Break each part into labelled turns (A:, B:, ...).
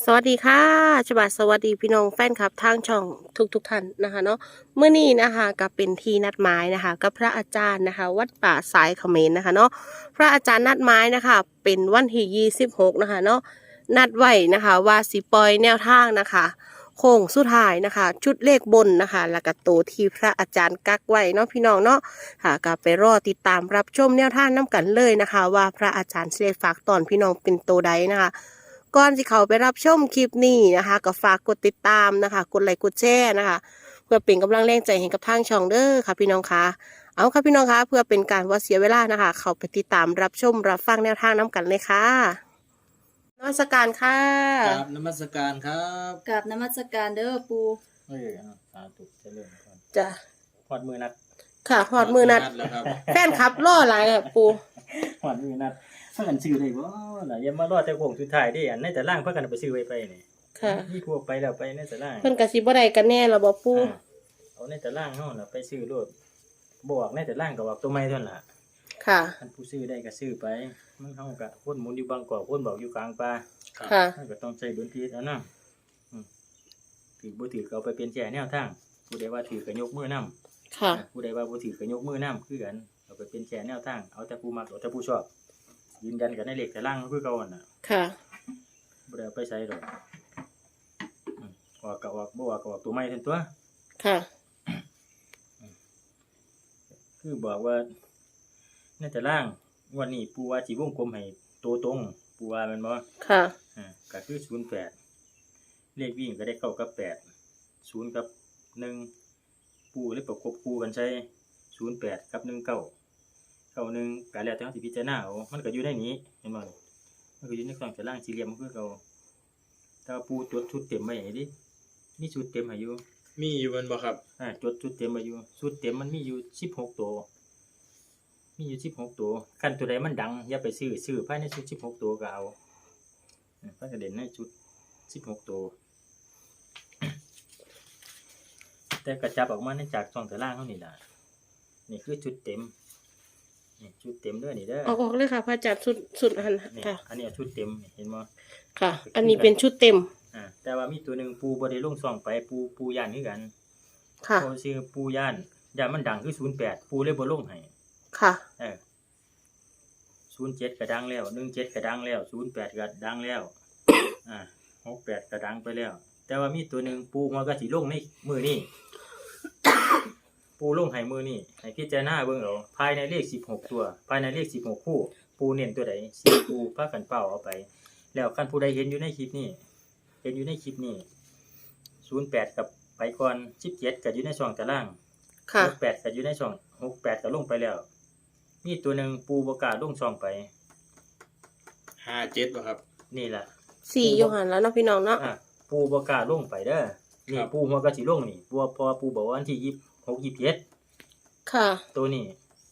A: สวัสดีค่ะฉบับสวัสดีพี่น้องแฟนคลับทางช่องทุกท่านนะคะเนาะเมื่อนี้นะคะก็เป็นที่นัดหมายนะคะกับพระอาจารย์นะคะวัดป่าสายเขมรนะคะเนาะพระอาจารย์นัดหมายนะคะเป็นวันที่26นะคะเนาะนัดไว้นะคะว่าสิปล่อยแนวทางนะคะโค้งสุดท้ายนะคะชุดเลขบนนะคะแล้วก็ตัวที่พระอาจารย์กักไว้เนาะพี่น้องเนาะค่ะก็ไปรอติดตามรับชมแนวทางน้กันเลยนะคะว่าพระอาจารย์เสด็จฝากตอนพี่น้องเป็นตัวใดนะคะก่อนที่เขาไปรับชมคลิปนี้นะคะก็ฝากกดติดตามนะคะกดไลค์กดแชร์นะคะเพื่อเป็นกำลังแรงใจให้กับทางช่องเด้อค่ะพี่น้องคะเอาค่ะพี่น้องคะเพื่อเป็นการว่าเสียเวลานะคะเขาไปติดตามรับชมรับฟังแนวทางน้กันเลยค่ะนมัสการค่ะ
B: กราบนมัสการครับ
C: กราบนมัสการเด้อปู
B: สาธุเจริญพร
A: จ้ะ
B: หอดมือนัด
A: ค่ะหอดมือนัด
B: แล้วครับ
A: แฟนคลับล่อหลายค่ะปู
B: หอดมือนัดเพื่อนซื้อได้บ่ล่ะอย่ามารอแต่โค้งสุดท้ายดิอันในแต่ล่างเพิ่นกันไปซื้อไว้ไปนี่
A: ค่ะ
B: มีพวกไปแล้วไปในแต่ล่าง
A: เพิ่นกะสิบ่ได้กันแน่ละบ่ปู
B: เอาในแต่ล่างเฮาน่ะไปซื้อโลดบอกในแต่ล่างก็บอกตัวใหม่เท่านั้นล่ะ
A: ค่ะ
B: ท่านผู้ซื้อได้ก็ซื้อไปมันเฮาก็คนหมุนอยู่บางกอกคนบอกอยู่กลางป่า
A: ค่ะ
B: มันก็ต้องใช้ดุลพินิจเอานะถือบ่ถือก็เอาไปเป็นแชร์แนวทางผู้ใดว่าถือก็ยกมือนำ
A: ค่ะ
B: ผู้ใดว่าบ่ถือก็ยกมือนำคือกันเอาไปเป็นแชร์แนวทางเอาแต่ผู้มักเอาแต่ผู้ชอบยืนยันกันในเลขแต่ล่างคือเก่าน่ะ
A: ค่ะ
B: บ่ได้เอาไปใช้ดอกออกก็ออกบ่ออกก็ออกตัวใหม่เท่านั้นตัว
A: ค่ะ
B: คือบอกว่าในแต่ล่างวันนี้ปู่ว่าสิวงกลมให้ตัวตรงปู่ว่าแม่นบ่
A: ค่ะ
B: ก็คือ08เลขวิ่งก็ได้9กับ8 0กับ1ปู่เลยประกบคู่กันใช้08กับ19 91ก็แล้วแต่เฮาสิพิจารณาเอามันก็อยู่ในนี้เห็นบ่มันก็อยู่ในกล่องแต่ล่างสี่เหลี่ยมมันคือเก่าแต่ว่าปู่จดชุดเต็มไว้ให้ดิมีชุดเต็มให้อยู่
D: มีอยู่บนบ่ครับ
B: จดชุดเต็มไว้อยู่ชุดเต็มมันมีอยู่16ตัวมีอยู่16ตัวคันตัวใดมันดังอย่าไปซื้อภายในชุด16ตัวก็เอาเพิ่นก็เด่นในชุด16ตัว แต่กระจับออกมาในจากช่องตารางเฮานี่ล่ะนี่คือชุดเต็มนี่ชุดเต็มเด้อนี่เด้อ
A: ออกเลยค่ะพระอาจารย์สุดอัน
B: นี่
A: ค่ะ
B: อันนี้ชุดเต็มเห็นบ่
A: ค่ะ อันนี้เป็นชุดเต็ม
B: แต่ว่ามีตัวหนึงปูบ่ได้ลงช่องไปปูย่านคือกัน
A: ค่ะ
B: เพราะชื่อปูย่านมันดังคือ08ปูเลยบ่ลงให้
A: ค่ะ
B: 07ก็ดังแล้ว17ก็ดังแล้ว08ก็ดังแล้ว68ก็ดังไปแล้ว แต่ว่ามีตัวหนึงปูมันก็สิลงในมื้อนี้ ปูลงให้มือนี่ให้พิจารณาเบิ่งเอาภายในเลข16ตัวภายในเลข16คู่ปูเน้นตัวใด4ปูพากันเป้าเอาไปแล้วคันผู้ใดเห็นอยู่ในคลิปนี้08กับไปก่อน17ก็อยู่ในช่องตาราง
A: ค่ะ
B: 68ก็อยู่ในช่อง68ก็ลงไปแล้วมีตัวหนึงปูบ่กล้าลงช่องไป
D: 57บ่ครับ
B: นี่ล่ะ
A: สี่โยหันแล้วเนาะพี่น้องเนาะ
B: ปูบ่กล้าลงไปเด้อนี่
D: ครับ
B: ปูหัวก็สิลงนี่เพราะว่าปูบอกว่าวันที่26 27
A: ค่ะ
B: ตัวนี้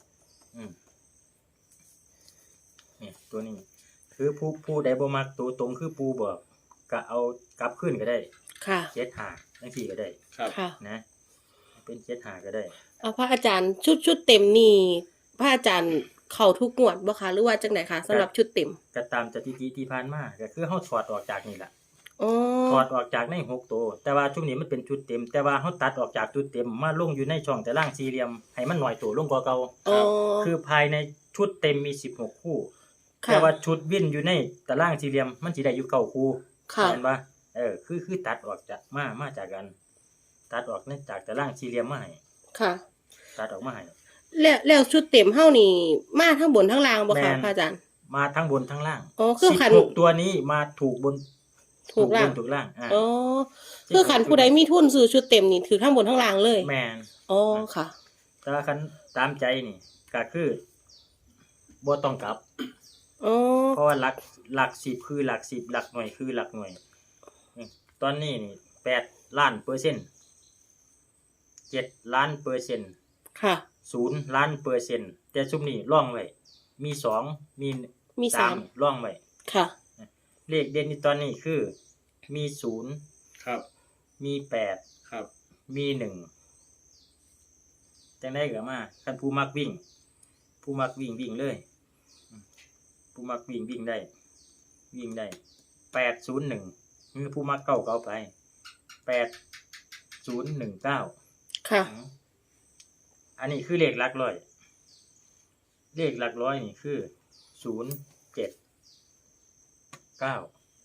B: นี่ตัวนี้ คือผู้ใดบ่มักตัวตรงคือปูบอกก็เอากลับขึ้นก็ได้
A: ค่ะ
B: 75จังซี่ก็ได้
D: ครับ
A: ค่ะ
B: นะ เป็น75ก็ได้
A: เอาพระอาจารย์ชุดเต็มนี่พระอาจารย์เข้าทุกงวดบ่คะหรือว่าจังไหนคะสำหรับชุดเต็ม
B: ก็ตามสถิติที่ผ่านมาก็คือเฮาถอดออกจากนี่ล่ะ
A: อ๋อ
B: ถอดออกจากใน6ตัวแต่ว่าช่วงนี้มันเป็นชุดเต็ม แต่ว่าเฮาตัดออกจากชุดเต็มมาลงอยู่ในช่องตารางสี่เหลี่ยมให้มันน้อยตัวลงกว่าเก่า
A: อ๋อ
B: คือภายในชุดเต็มมี16คู่
A: ค่ะ
B: แต่ว่าชุดวินอยู่ในตารางสี่เหลี่ยมมันสิได้อยู่9คู่
A: ค่ะ
B: เห็นปะคือตัดออกจากมาจากกัน ตัดออกในจากตารางสี่เหลี่ยมมาให้
A: ค่ะ
B: ตัดออกมาให้
A: แล้วชุดเต็มเฮานี่มาทั้งบนทั้งล่างบ่
B: แม่
A: คะ
B: น
A: พระอาจารย์
B: มาทั้งบนทั้งล่าง
A: อ๋อคือขัน
B: 16ตัวนี้มาถูกบน
A: ถูกล่าง
B: ถูกล่าง
A: อ๋อคือขันผู้ใดมีทุนซื้อชุดเต็มนี่ถือทั้งบนทั้งล่างเลย
B: แมน
A: อ๋อค่ะ
B: แต่ว่าคันตามใจนี่ก็คือบ่ต้องกลับ
A: อ๋อ
B: เพราะว่าหลัก10คือหลัก10หลักหน่วยคือหลักหน่วยตอนนี้นี่8 ล้านเปอร์เซ็นต์7 ล้านเปอร์เซ็นต์
A: ค่ะ
B: 0 ล้านเปอร์เซ็นต์แต่ซุมนี้ร่องไว้มี2มี
A: สาม
B: 3ร่องไว้
A: ค่ะ
B: เลขเด่นในตอนนี้คือมี0
D: ครับ
B: มี8
D: ครับ
B: มี1จังได๋ก็มาคันผู้มักวิ่งวิ่งเลยผู้มักวิ่งได้801 คือผู้มักเก้าก็เอาไป8019
A: ค่ะ
B: อันนี้คือเลขหลักร้อยเลขหลักร้อยนี่คือ079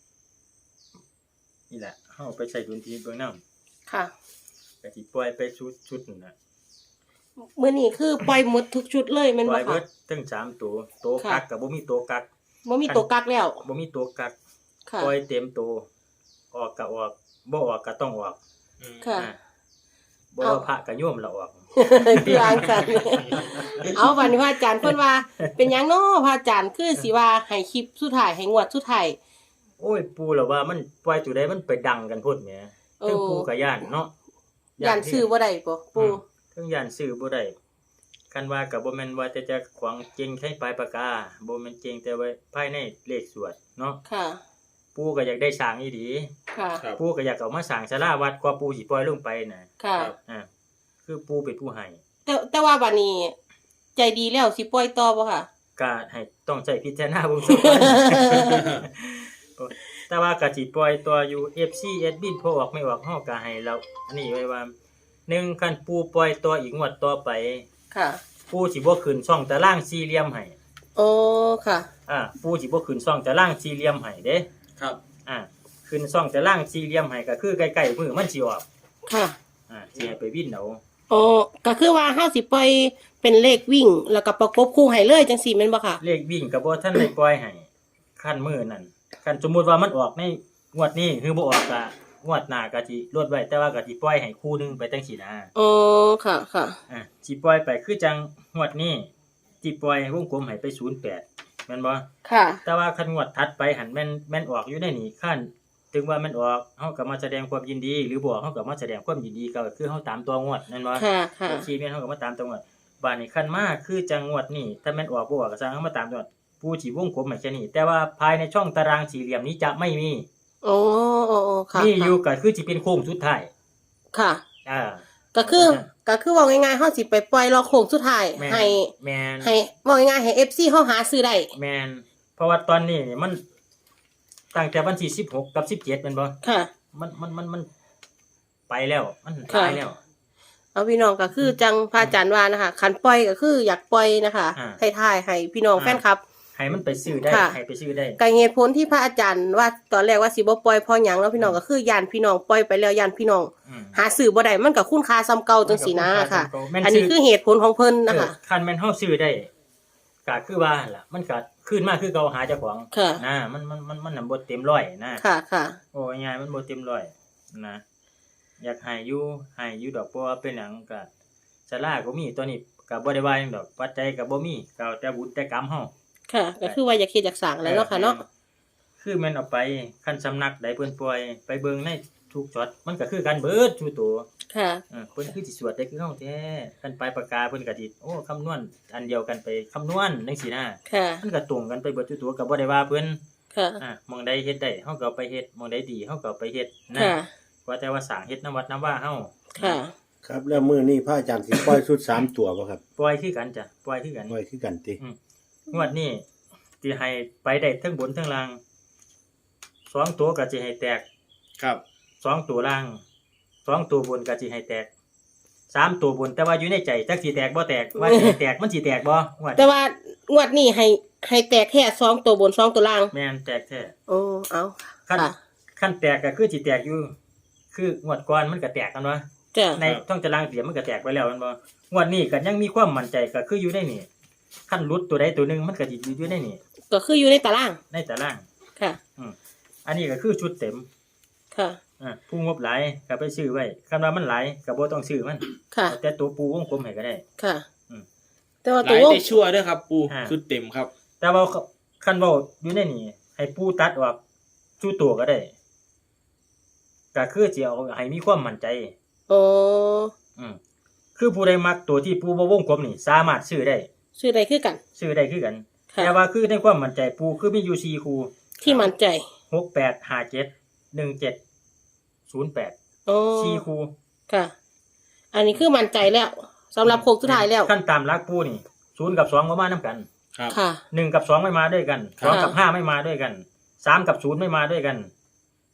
B: นี่แหละเฮาไปใส่ดุลพินิจเบิ่งนำ
A: ค่ะ
B: ก็สิปล่อยไปชุดนั่นน่ะ
A: มื้อนี้คือปล่อยหมดทุกชุดเลยแม่น
B: ปล่
A: บ่
B: อยเบิ
A: ค่ะ
B: ดทั้ง3ตัวกักก็บ่มีตัวกัก
A: บ่มีตัวกักแล้ว
B: บ่มีตัวกัก
A: ค่ะ
B: ปล่อยเต็มตัวออกก็ออกบ่ออกก็ต้องออก
A: ค่ะ
B: อ่าบ่
A: เอา
B: ว่าพระก็โยมละออก
A: คืออ่านกัน เอาบัดนี้พระอาจารย์เพิ่นว่า เป็นหยังเนาะพระอาจารย์คือสิว่าให้คลิปสุดท้ายให้งวดสุดท้าย
B: โอ้ยปู่ล่ะว่ามันปล่อยตัวใดมันไปดังกันพุ่นแหม
A: โอ้
B: ถึงปู่ก็ย่านเนาะ
A: ย่านซื้อบ่ได้บ่ปู่
B: ถึงย่านซื้อบ่ได้คันว่าก็บ่แม่นว่าแต่จะขวางเจงใช้ปลายปากกาบ่แม่นเจงแต่ว่าภายในเลขสวดเนาะ
A: ค่ะ
B: ปู่ก็อยากได้สร้างอีหลี
A: ค่ะ
D: ครับ
B: ปู่ก็อยากเอามาสร้างศาลาวัดกว่าปู่สิปล่อยลงไปน่ะ
A: ค่ะ
B: อ่าคือปู่เป็นผู้ให้
A: แต่ว่าบัดนี้ ใจดีแล้วสิปล่อยต่อบ่ค่ะ
B: ก็ให้ต้องใช้พิจารณาเบิ่งซะก่อน แต่ว่าก็สิปล่อยตัวอยู่ FC แอดมินพอออกไม่ออกเฮาก็ให้เราอันนี้ไว้ว่า1คันปู่ปล่อยตัวอีกงวดต่อไป
A: ค่ะ
B: ปู่สิบ่ขึ้นช่องตารางสี่เหลี่ยมให้
A: โอ้ค่ะ
B: ปู่สิบ่ขึ้นช่องตารางสี่เหลี่ยมให้เด้
D: ครับ
B: ขึ้นช่องตารางสี่เหลี่ยมให้ก็คือใกล้ๆมื้อมันสิออก
A: ค่ะ
B: สิให้ไปวินเอา
A: โอ้ก็คือว่าเฮาสิปล่อยเป็นเลขวิ่ง แล้วก็ประกบคู่ให้เลยจังซี่แม่นบ่ค่ะ
B: เลขวิ่งก็บ่ทันได้ปล่อยให้คันมื้อนั้นคันสมมุติว่ามันออกในงวดนี้คือบ่ออกก็งวดหน้าก็สิลดไว้แต่ว่าก็สิปล่อยให้คู่หนึงไปจังซี่นะ
A: โอ้ค่ะค่ะ
B: สิปล่อยไปคือจังงวดนี้สิปล่อยวงกลมให้ไป08แม่นบ่
A: ค่ะ
B: แต่ว่าคันงวดถัดไปหันแม่นออกอยู่ในนี่คันถึงว่ามันออกเฮาก็มาแสดงความยินดี หรือบ่เฮาก็มาแสดงความยินดีก็คือเฮาตามตัวงวดนั่นบ่
A: ค่ะค่ะ
B: ชีแม่นเฮาก็มาตามตัวงวดบัดนี้คันมาคือจังงวดนี้ถ้าแม่นออกบ่ออกก็สร้างเฮามาตามตัวผู้สิวงกลมให้แค่นี้แต่ว่าภายในช่องตารางสี่เหลี่ยมนี้จะไม่มี
A: โอ้โอ้โอ้ค่ะ
B: มีอยู่ก็คือสิเป็นโค้งสุดท้าย
A: ค่ะ
B: อ่า
A: ก็คือเว้าง่ายๆเฮาสิไปปล่อยรอโค้งสุดท้าย
B: แม่น
A: ให้
B: แม่น
A: ให้เว้าง่ายๆให้ FC เฮาหาซื้อได้
B: แม่นเพราะว่าตอนนี้นี่มันตั้งแต่วันที่16กับ17แม่นบ่
A: ค่ะ
B: มันไปแล้วมัน
A: ค่ะ
B: ตายแล้ว
A: เอาพี่น้องก็คือจังพระอาจารย์ว่านะคะคันปล่อยก็คืออยากปล่อยนะคะ ท้ายๆให้พี่น้องแฟนคลับ
B: ให้มันไปซื้อได้
A: ค่ะ
B: ให้ไปซื้อได้
A: ก็เหตุผลที่พระอาจารย์ว่าตอนแรกว่าสิบ่ปล่อยเพราะหยังแล้วพี่น้องก็คือย่านพี่น้องปล่อยไปแล้วย่านพี่น้อง
B: อืม
A: หาซื้อบ่ได้มันก็คุณค่าซ้ำเก่าจังซี่นะค่ะ
B: แม่น
A: อันนี้คือเหตุผลของเพิ่นนะคะ
B: คันแม่นเฮาซื้อได้ก็คือว่าหั่นล่ะมันก็ขึ้นมาคือเก่าหาเจ้าของ
A: ค่ะ
B: นะมันน่ะบ่เต็มร้อยนะ
A: ค่ะค่ะ
B: โอ้ยง่ายๆมันบ่เต็มร้อยนะอยากให้อยู่ดอกเพราะว่าเป็นหยังก็ศาลาก็มีตัวนี้ก็บ่ได้ว่าหยังดอกปัจจัยก็บ่มีก็เอาแต่บุญแต่กรรมเฮา
A: ค่ะ ก็คือว่าอยากเฮ็ดอยากสร้างแหล้วเนาะค่ะเนาะ
B: คือแม่นเอาไปคันสำนักใดเพิ่นปล่อยไปเบิ่งในทุกช็อตมันก็คือกันเบิดทุกตัว
A: ค่ะ
B: เพิ่นคือสิสวดได้คือเฮาแท้คันไปปากกาเพิ่นก็สิโอ้คำนวณอันเดียวกันไปคำนวณจังซี่นะ
A: ค่ะ
B: มันก็ตรงกันไปเบิดทุกตัวก็บ่ได้ว่าเพิ่น
A: ค่ะ
B: หม้องใดเฮ็ดได้เฮาก็เอาไปเฮ็ดหม้องใดดีเฮาก็เอาไปเฮ็ดนะ
A: ค่ะ
B: ว่าแต่ว่าสร้างเฮ็ดน้ำวัดน้ำว่าเฮา
A: ค่ะ
E: ครับแล้วมื้อนี้พระอาจารย์สิปล่อยชุด3ตัวบ่ครับ
B: ปล่อยคือกันจ้ะปล่อยคือกัน
E: ปล่อยคือกันติ
B: งวดนี้สิให้ไปได้ทั้งบนทั้งล่าง2ตัวก็สิให้แตก
D: ครับ
B: 2ตัวล่าง2ตัวบนก็สิให้แตก3ตัวบนแต่ว่าอยู่ในใจจักสิแตกบ่แตกว่าสิให้แตกมันสิแตกบ่งวด
A: แต่ว่างวดนี้ให้แตกแค่2ตัวบน2ตัวล่าง
B: แม่นแตกแท้
A: โอ้เอา
B: ขั้น
A: ค่ะ
B: ขั้นแตกก็คือสิแตกอยู่ คืองวดก่อนมันก็แตกกันวะ
A: จ้ะ
B: ในท่องตารางเสียมันก็แตกไปแล้วแมันบ่งวดนี้ก็ยังมีความมั่นใจก็คืออยู่ในนี่ขั้นหลุดตัวใดตัวหนึงมันก็สิอยู่ในนี่
A: ก็คืออยู่ในตาราง
B: ในตาราง
A: ค่ะ
B: อันนี้ก็คือชุดเต็ม
A: ค่ะ
B: ผู้งบหลายก็ไปซื้อไว้คันว่ามันหลายก็บ่ต้องซื้อมัน
A: ค่ะ
B: แต่ตัวปูวงกลมให้ก็ได้
A: ค่ะ
B: อืม
A: แต่ว่า
D: ห
A: ตั
D: ลา
A: วย วง
D: ได้ชั่วด้วยครับปู
B: อ่า
D: ชุดเต็มครับ
B: แต่ว่าคันเว้าอยู่ในนี่ให้ปูตัดออกชูตัวก็ได้ก็คือสิเอาให้มีความมั่นใจ
A: โอ้
B: คือผู้ใดมักตัวที่ปูบ่วงกลมนี่สามารถซื้อได้
A: ชื่อใดคือกัน
B: ซื้อได้คือกัน
A: ค่ะ
B: แต่ว่าคือในความมั่นใจปูคือมีอยู่4คู่
A: ที่มั่นใจ
B: 68 57 17 08
A: โอ้
B: 4คู่
A: ค่ะ อันนี้คือมั่นใจแล้วสำหรับโค้งสุดท้ายแล้ว
B: ขั้นตามหลักปูนี่0กับ2บ่มานํกัน
D: ครับ
A: ค่ะ
B: 1กับ2ไม่มาด้วยกัน
A: ค่ะ
B: 2กับ5ไม่มาด้วยกัน3กับ0ไม่มาด้วยกัน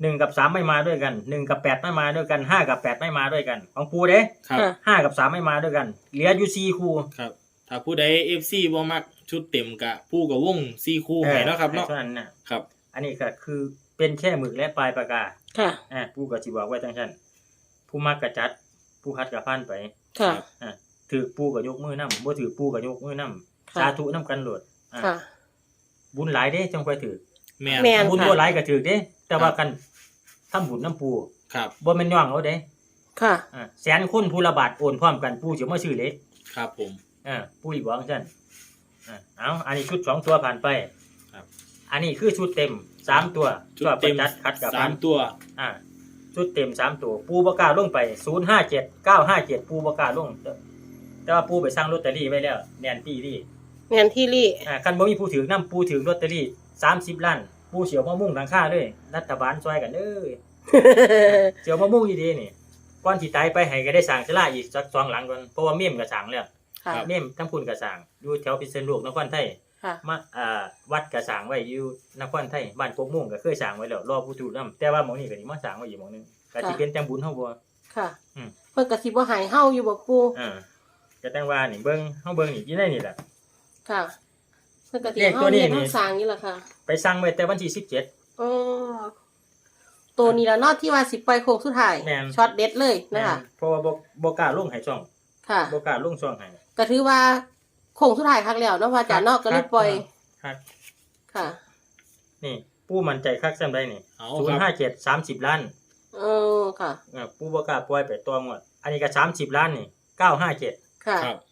B: 1กับ3ไม่มาด้วยกัน1กับ8ไม่มาด้วยกัน5กับ8ไม่มาด้วยกันของปูเด้
D: ครับ
A: ค่ะ
B: 5กับ3ไม่มาด้วยกันเหลืออยู่4คู่
D: ครับ ถ้าผู้ใด FC บ่มักชุดเต็มกะผู้กับวง4คู่ให้เนาะครับเนาะ
B: เท่านั้นน่ะ
D: ครับ
B: อันนี้ก็คือเป็นแค่หมึกและปลายปากกา
A: ค่ะ
B: ปูก็สิบอกไว้จังซั่นผู้มักก็จัดผู้คัดก็ผ่านไป
A: ค่ะ
B: ถือปูก็ยกมือนำบ่ถือปูก็ยกมือนำ
A: ค่ะ
B: สาธุนํกันโลดอ่า
A: ค่ะ
B: บุญหลายเด้จังค่อยถือ
D: แม่น
A: แม่น
B: บุญบ่หลายก็ถือเด้แต่ว่ากันทำบุญนํปู
D: ครับ
B: บ่แม่นย่องเอาเด้
A: ค่ะ
B: แสนคนผู้ละบาทโอนพร้อมกันปูสิมาซื้อเลข
D: ครับผม
B: ปูอีบอกจังซั่นเอาอันนี้ชุด2ตัวผ่านไป
D: ครับ
B: อันนี้คือชุดเต็ม3ตัว
D: ชุดเต็ม
B: จัดคัดกับ
D: สามตัว
B: ชุดเต็ม3ตัวปูบ่กล้าลงไป057 957ปูบ่กล้าลงแต่ว่าปูไปสร้างลอตเตอรี่ไว้แล้วแน่นปีนี่
A: แมนที่รี่
B: คันบ่มีผู้ถือนำปูถือลอตเตอรี่30ล้านปูเสียวมะม่วงหลังคาเลยรัฐบาลช่วยกันเด้อเสียวมะม่วงอีดีนี่ก่อนสิตายไปให้ก็ได้สร้างศาลาอีกสัก2หลังก่อนเพราะว่าเมี่ยมก็สร้างแล้ว
A: ค่ะ
B: เมี่ยมทั้งพุ่นก็สร้างอยู่แถวพิษณุโลกนครไทย
A: ค่ะ
B: มาวัดก็สร้างไว้อยู่นครไทยบ้านกกม่วงก็เคยสร้างไว้แล้วรอผู้ถือนำแต่ว่าหม้องนี้ก็สิมาสร้างไว้อีกหม้องนึงก็สิเป็นจังบุญเฮาบ่
A: ค่ะ
B: อืม
A: เพิ่นก็สิบ่ใหายเฮาอยู่บ่ปู
B: ก็แต่งว่านี่เบิ่งเฮาเบิ่งนี่อยู่ในนี่แหละ
A: ค่ะ เพิ่นก็สิ
B: เลข
A: เฮา
B: ตัวนี้
A: เรียน
B: นี่
A: เฮาสร้างนี่ล่ะค่ะ
B: ไปสั่งไว้แต่วันที่17
A: อ๋อตัวนี้ละเนาะที่ว่าสิปล่อยโค้งสุดท้าย
B: แม่น
A: ช็อตเด็ดเลยนะคะ
B: เพราะว่าบ่กล้าลงให้ช่อง
A: ค่ะ
B: บ่กล้าลงช่องให้
A: ก็ถือว่าโค้งสุดท้ายครั้งแล้วเนาะพระอาจารย์เนาะก็เลยปล่อย
B: ครับ
A: ค่ะ
B: นี่ปู่มั่นใจคักซำใดนี่
D: เอาครับ
B: 057 30ล้าน
A: เออค่ะ
B: ปู่บ่กล้าปล่อยไปตัวหมดอันนี้ก็30ล้านนี่957
A: ค่ะ
D: ครับ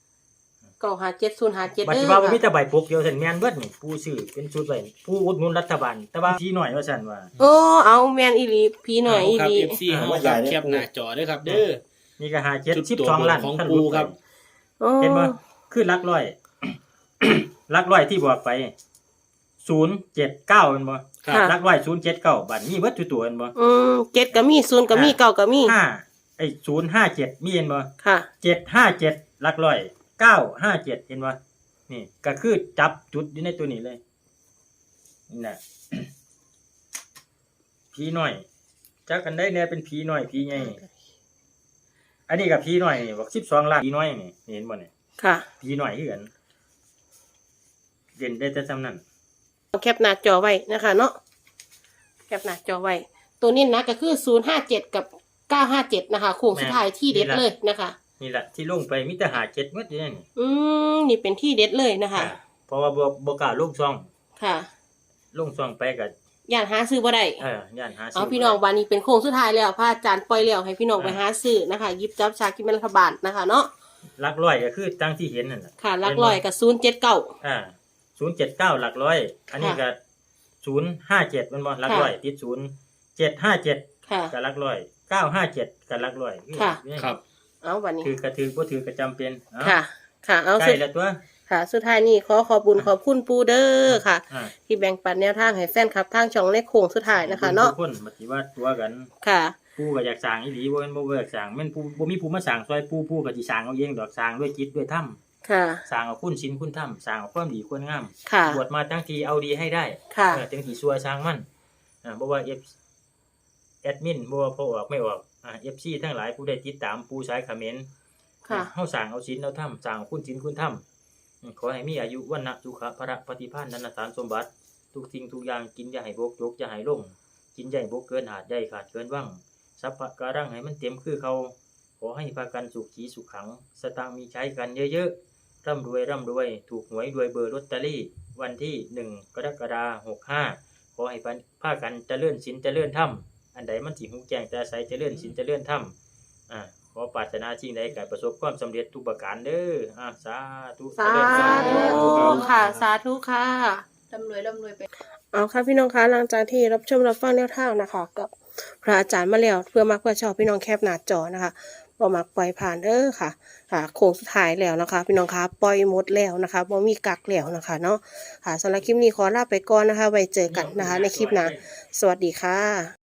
A: 957
B: บัด
A: 057
B: นี้ว่าบ่มีแต่ใบปกเดียวซั่นแม่นเบิดนี่ปู่ซื้อเป็นชุดไว้ปู่อุดหนุนรัฐบาลแต่ว่าพี่น้อยว่าซั่นว่า
A: โอ้เอาแม่นอีหลีพี่หน่อยอี
D: เาครับ
A: หลี
D: FC เฮาครับแคปหน้าจอเด้อครับเด้อ
B: นี่ก็
D: ชุดตัว
B: 12ล้าน
D: ของ
B: ท่าน
D: ปู่ครับ
A: โอ้
B: เห็นบ่คือหลักร้อย หลักร้อยที่บอกไป079แม่นบ่
D: ครับ
A: ค่ะ
B: หลักร้อย079บัดมีเบิดทุกตัวแม่นบ่
A: 7ก็มี0ก็มี9ก็มี
B: 057มีเห็นบ่
A: ค่ะ
B: 757หลักร้อย957เห็นบ่นี่ก็คือจับจุดอยู่ในตัวนี้เลยนี่น่ะ ผีน้อยจักกันได้แน่เป็นผีน้อยผีใหญ่อันนี้ก็ผีน้อยนี่บอก12ล้านผีน้อยนี่เห็นบ่นี่
A: ค่ะ
B: ผีน้อยคือกันเด่นได้แต่ซำนั้น
A: แคปหน้าจอไว้นะคะเนาะแคปหน้าจอไว้ ตัวนี้นะก็คือ057กับ957นะคะโค้งสุดท้ายที่เด็ดเลยนะคะ
B: นี่แหละที่ลงไปมีแต่หา7หมดอยู่นั่นนี่
A: นี่เป็นที่เด็ดเลยนะคะ
B: เพราะว่าบ่กล้าลงซ่อง
A: ค่ะ
B: ลงซ่องไปก็
A: ย่านหาซื้อบ่ได้
B: ย่านหาซื้
A: เอาพี่น้องวันนี้เป็นโค้งสุดท้ายแล้วพระอาจารย์ปล่อยแล้วให้พี่น้องไปหาซื้อนะคะหยิบจับฉลากกินแบ่งรัฐบาลนะคะเนาะ
B: หลักร้อยก็คือจังที่เห็นนั่นน่ะ
A: ค่ะหลักร้อยกับ079
B: 079หลักร้อยอันนี้ก็057มันบ่หลักร้อยติด0757
A: ค่ะ
B: ก็หลักร้อย957ก็หลักร้อย
A: ค่ะ
D: ครับ
A: เอาวันนี้
B: ถือกระถือบ่ถือก็จำเป็นเอา
A: ค่ะ ค่ะเอา
B: ใก
A: สุ
B: ล้
A: ด
B: แล้วตัว
A: ค่ะ สุดท้ายนี้ขอบุญขอบคุณปูเด้อค่ะ
B: อ่า
A: ที่แบ่งปันแนวทางให้แฟนคลับทางช่องเลขโค้งสุดท้ายนะคะเนาะ
B: ทุกคนบัดนี้ว่าตัวกัน
A: ค่ะ
B: ปู่ก็อยากสร้างอีหลีบ่แม่นบ่อยากสร้างแม่นปู่บ่มีผู้มาสร้างซอยปู่ก็สิสร้างเอาเองดอกสร้างด้วยจิตด้วยธรรม
A: ค่ะ
B: สร้างเอาคุณศีลคุณธรรมสร้างเอาความดีความงาม
A: ค่ะ
B: บวชมาทั้งทีเอาดีให้ได้
A: ค่ะ
B: ถึงที่ซัวสร้างมันบ่ว่าแอดมินบ่ว่าพอออกไม่ออกFC ทั้งหลายผู้ได้ติดตามปู่สายเขมร
A: ค่ะ
B: เฮาสร้างเอาศีลเอาธรรมสร้างเอาคุณศีลคุณธรรมขอให้มีอายุวันนะสุขะพระปฏิภาณนันทานสมบัติทุกสิ่งทุกอย่างกินอย่าให้บกยกอย่าให้ลงกินอย่าให้บกเกินหาดใหญ่ขาดเกินว่างทรัพย์การังให้มันเต็มคือเขาขอให้พากันสุขีสุขขังสตางค์มีใช้กันเยอะๆร่ำรวยถูกหวยรวยเบอร์ลอตเตอรี่วันที่1กรกฎาคม65ขอให้พากันเจริญศีลเจริญธรรมอันใดมันสิฮู้แจ้งแต่ใสเจริญศีลเจริญธรรมขอปรารถนาสิ่งใดก็ประสบความสำเร็จทุกประการเด้อสาธุ
A: สา
B: เจริญ
A: ธุค่ะ สาธุค่ะ
C: ร่ำรวยไป
A: เอาค่ะพี่น้องคะหลังจากที่รับชมรับฟังแนวทางนะคะ กับพระอาจารย์มาแล้วเพื่อมักเพื่อชอบพี่น้องแคปหน้าจอนะคะบ่มักปล่อยผ่านเด้อค่ะ ค่ะโค้งสุดท้ายแล้วนะคะ พี่น้องคะปล่อยหมดแล้วนะคะบ่มีกักแล้วนะคะเนาะค่ะสำหรับคลิปนี้ขอลาไปก่อนนะคะ ไว้เจอกันนะคะ ในคลิปหน้าสวัสดีค่ะ